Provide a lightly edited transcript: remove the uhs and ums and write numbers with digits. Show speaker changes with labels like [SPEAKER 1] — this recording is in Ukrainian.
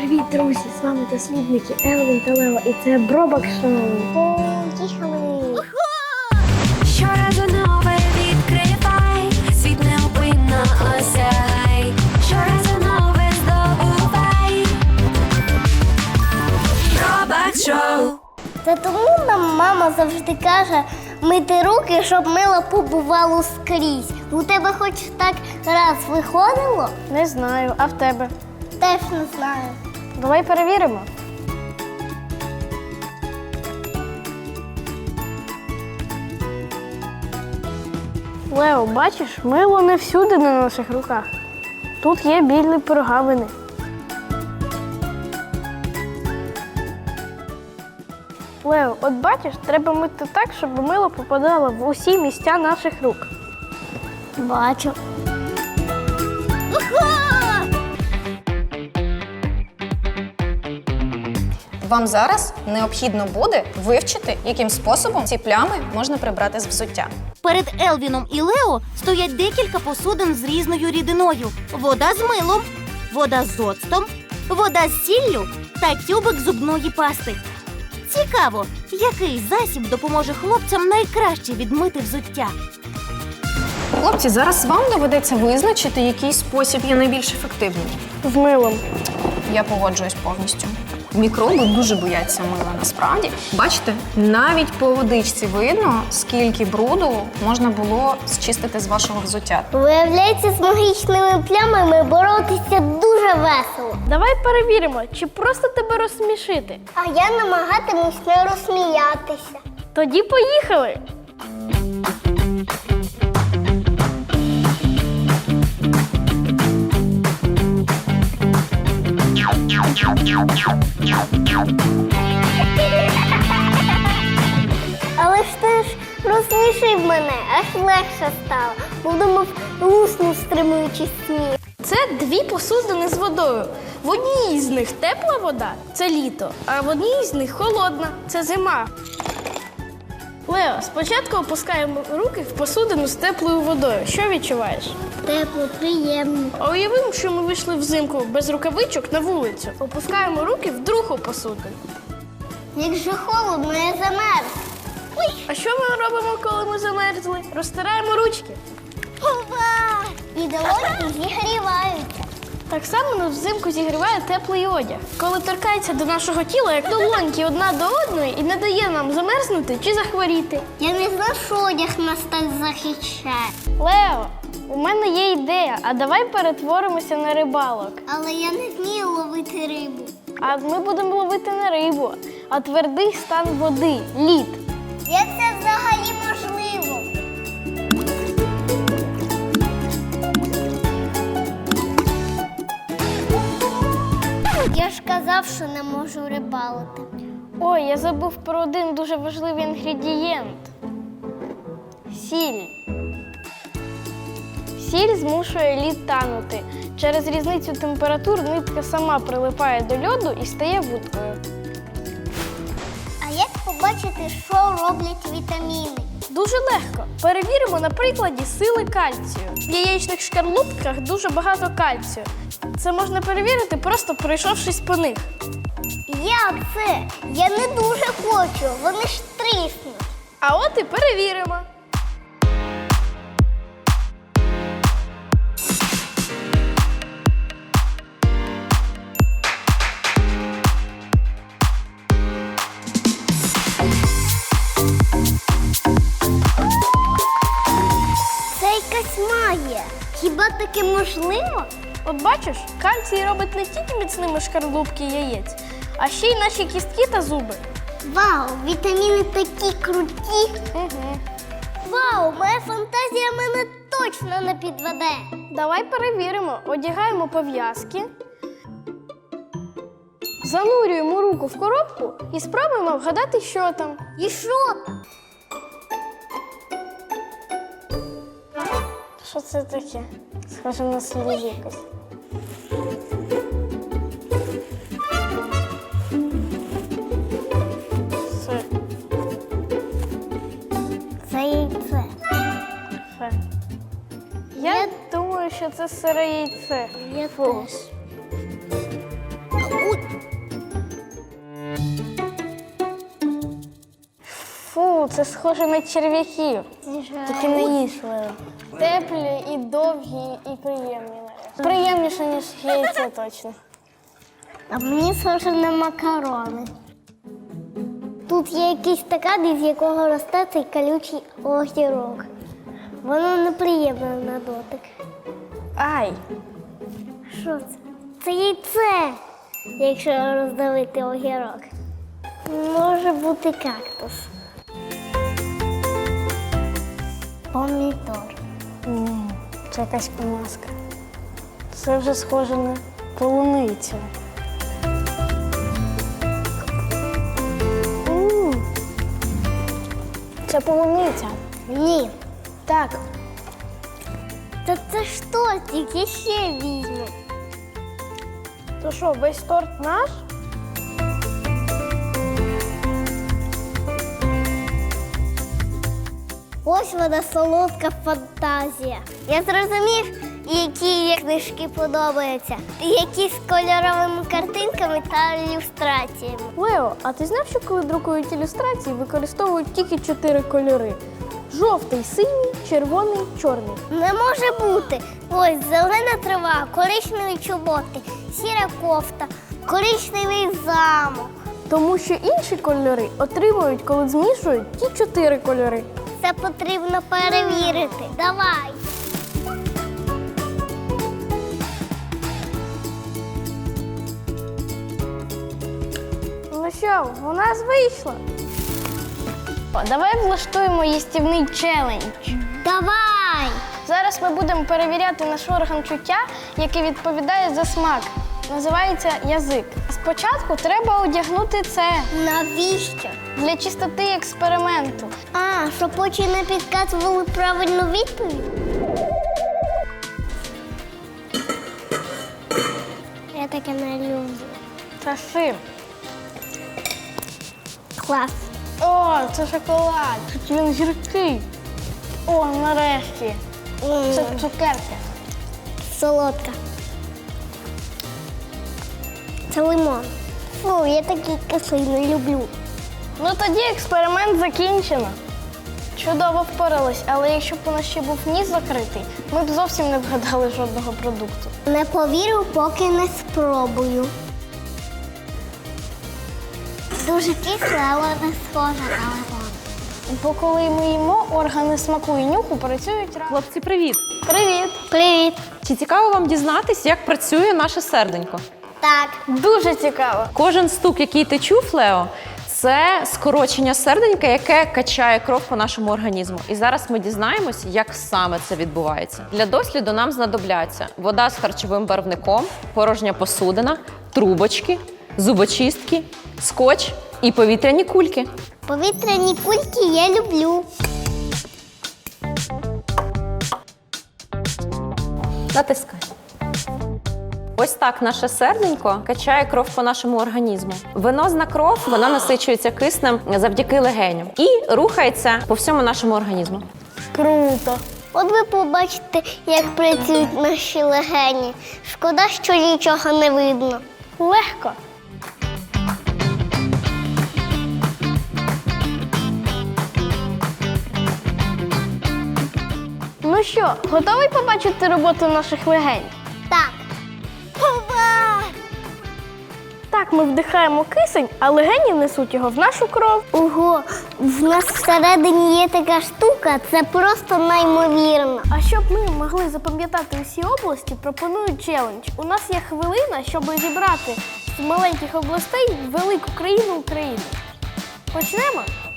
[SPEAKER 1] Привіт, друзі! З вами дослідники Елвін та Лео, і це Бробок Шоу. Поїхали!
[SPEAKER 2] Щоразу нове відкривай, світ неупинно осягай, щоразу нове здобувай. Бробок Шоу.
[SPEAKER 3] Та тому нам мама завжди каже мити руки, щоб мило побувало скрізь. У тебе хоч так раз виходило?
[SPEAKER 1] Не знаю, а в тебе?
[SPEAKER 3] Теж не знаю.
[SPEAKER 1] Давай перевіримо. Лео, бачиш, мило не всюди на наших руках. Тут є білі прогавини. Лео, от бачиш, треба мити так, щоб мило попадало в усі місця наших рук.
[SPEAKER 3] Бачу.
[SPEAKER 4] Вам зараз необхідно буде вивчити, яким способом ці плями можна прибрати з взуття.
[SPEAKER 5] Перед Елвіном і Лео стоять декілька посудин з різною рідиною. Вода з милом, вода з оцтом, вода з сіллю та тюбик зубної пасти. Цікаво, який засіб допоможе хлопцям найкраще відмити взуття.
[SPEAKER 4] Хлопці, зараз вам доведеться визначити, який спосіб є найбільш ефективним.
[SPEAKER 1] З милом.
[SPEAKER 4] Я погоджуюсь повністю. Мікроби дуже бояться мила, насправді. Бачите, навіть по водичці видно, скільки бруду можна було зчистити з вашого взуття.
[SPEAKER 3] Виявляється, з магічними плямами боротися дуже весело.
[SPEAKER 1] Давай перевіримо, чи просто тебе розсмішити.
[SPEAKER 3] А я намагатимусь не розсміятися.
[SPEAKER 1] Тоді поїхали!
[SPEAKER 3] Але ж ти ж розсмішив мене, аж легше стало. Подумав, лусну, стримуючи сміх.
[SPEAKER 1] Це дві посудини з водою. В одній з них тепла вода – це літо, а в одній з них холодна – це зима. Лео, спочатку опускаємо руки в посудину з теплою водою. Що відчуваєш?
[SPEAKER 3] Тепло, приємно.
[SPEAKER 1] А уявимо, що ми вийшли взимку без рукавичок на вулицю. Опускаємо руки в другу посудину.
[SPEAKER 3] Як же холодно, я замерз.
[SPEAKER 1] А що ми робимо, коли ми замерзли? Розтираємо ручки.
[SPEAKER 3] Ова! І долоньки зігріваються.
[SPEAKER 1] Так само нас взимку зігріває теплий одяг. Коли торкається до нашого тіла, як долоньки одна до одної і не дає нам замерзнути чи захворіти.
[SPEAKER 3] Я не знав, що одяг нас так захищає.
[SPEAKER 1] Лео, у мене є ідея, а давай перетворимося на рибалок.
[SPEAKER 3] Але я не вмію ловити рибу.
[SPEAKER 1] А ми будемо ловити не рибу, а твердий стан води – лід.
[SPEAKER 3] Як це взагалі можливо? Я ж казав, що не можу рибалити.
[SPEAKER 1] Ой, я забув про один дуже важливий інгредієнт – сіль. Сіль змушує лід танути. Через різницю температур нитка сама прилипає до льоду і стає вудкою.
[SPEAKER 3] А як побачити, що роблять вітаміни?
[SPEAKER 1] Дуже легко. Перевіримо на прикладі сили кальцію. В яєчних шкарлупках дуже багато кальцію. Це можна перевірити, просто пройшовшись по них.
[SPEAKER 3] Як це? Я не дуже хочу, вони ж тріснуть.
[SPEAKER 1] А от і перевіримо.
[SPEAKER 3] Це якась магія. Хіба таке можливо?
[SPEAKER 1] От бачиш, кальцій робить не тільки міцними шкарлупки яєць, а ще й наші кістки та зуби.
[SPEAKER 3] Вау, вітаміни такі круті.
[SPEAKER 1] Угу.
[SPEAKER 3] Вау, моя фантазія мене точно не підведе.
[SPEAKER 1] Давай перевіримо. Одягаємо пов'язки, занурюємо руку в коробку і спробуємо вгадати, що там.
[SPEAKER 3] І що там?
[SPEAKER 1] Що це таке? Схоже на сліз якось. Все.
[SPEAKER 3] Це яйце.
[SPEAKER 1] Все. Я думаю, що це сире яйце.
[SPEAKER 3] Я теж.
[SPEAKER 1] Це схоже на черв'яків. Тільки не їж, Лео. Теплі і довгі, і приємні. Приємніше, ніж яйце точно.
[SPEAKER 3] А мені схоже на макарони. Тут є якийсь стакан, із якого росте цей колючий огірок. Воно неприємне на дотик.
[SPEAKER 1] Ай!
[SPEAKER 3] Що це? Це яйце, якщо роздавити огірок. Може бути кактус. Помідор.
[SPEAKER 1] Ні, це якась помазка. Це вже схоже на полуницю. Це полуниця.
[SPEAKER 3] Ні.
[SPEAKER 1] Так.
[SPEAKER 3] Та це ж тортик, я ще візьму.
[SPEAKER 1] То що, весь торт наш?
[SPEAKER 3] Ось вона солодка фантазія. Я зрозумів, які книжки подобаються. Які з кольоровими картинками та ілюстраціями.
[SPEAKER 1] Лео, а ти знав, що коли друкують ілюстрації, використовують тільки 4 кольори? Жовтий, синій, червоний, чорний.
[SPEAKER 3] Не може бути. Ось зелена трава, коричневі чоботи, сіра кофта, коричневий замок.
[SPEAKER 1] Тому що інші кольори отримують, коли змішують ті 4 кольори.
[SPEAKER 3] Це потрібно перевірити. Давай.
[SPEAKER 1] Ну що, у нас вийшло. Давай влаштуємо їстівний челендж.
[SPEAKER 3] Давай!
[SPEAKER 1] Зараз ми будемо перевіряти наш орган чуття, який відповідає за смак. Називається язик. Спочатку треба одягнути це
[SPEAKER 3] Навіщо?
[SPEAKER 1] для чистоти експерименту.
[SPEAKER 3] А, щоб очі не підказували правильну відповідь? Я таке не люблю.
[SPEAKER 1] Та з чим?
[SPEAKER 3] Клас.
[SPEAKER 1] О, це шоколад. Хоч він гіркий. О, нарешті. Це цукерки.
[SPEAKER 3] Солодка. Це лимон. Фу, я такий кислий не люблю.
[SPEAKER 1] Ну тоді експеримент закінчено. Чудово впорались, але якщо б у нас ще був ніс закритий, ми б зовсім не вгадали жодного продукту.
[SPEAKER 3] Не повірю, поки не спробую. Дуже кисле, але не схоже на лимон.
[SPEAKER 1] Бо коли ми їмо, органи смаку і нюху працюють разом.
[SPEAKER 6] Хлопці, привіт!
[SPEAKER 1] Привіт!
[SPEAKER 3] Привіт.
[SPEAKER 6] Чи цікаво вам дізнатись, як працює наше серденько?
[SPEAKER 3] Так.
[SPEAKER 1] Дуже цікаво.
[SPEAKER 6] Кожен стук, який ти чув, Лео, це скорочення серденька, яке качає кров по нашому організму. І зараз ми дізнаємось, як саме це відбувається. Для досліду нам знадобляться вода з харчовим барвником, порожня посудина, трубочки, зубочистки, скотч і повітряні кульки.
[SPEAKER 3] Повітряні кульки я люблю.
[SPEAKER 6] Натискай. Ось так наше серденько качає кров по нашому організму. Венозна кров, вона насичується киснем завдяки легеням і рухається по всьому нашому організму.
[SPEAKER 1] Круто.
[SPEAKER 3] От ви побачите, як працюють наші легені. Шкода, що нічого не видно.
[SPEAKER 1] Легко. Ну що, готовий побачити роботу наших легень?
[SPEAKER 3] Так. Ова!
[SPEAKER 1] Так, ми вдихаємо кисень, а легені несуть його в нашу кров.
[SPEAKER 3] Ого, в нас всередині є така штука, це просто неймовірно.
[SPEAKER 1] А щоб ми могли запам'ятати усі області, пропоную челендж. У нас є хвилина, щоб зібрати з маленьких областей велику країну України. Почнемо?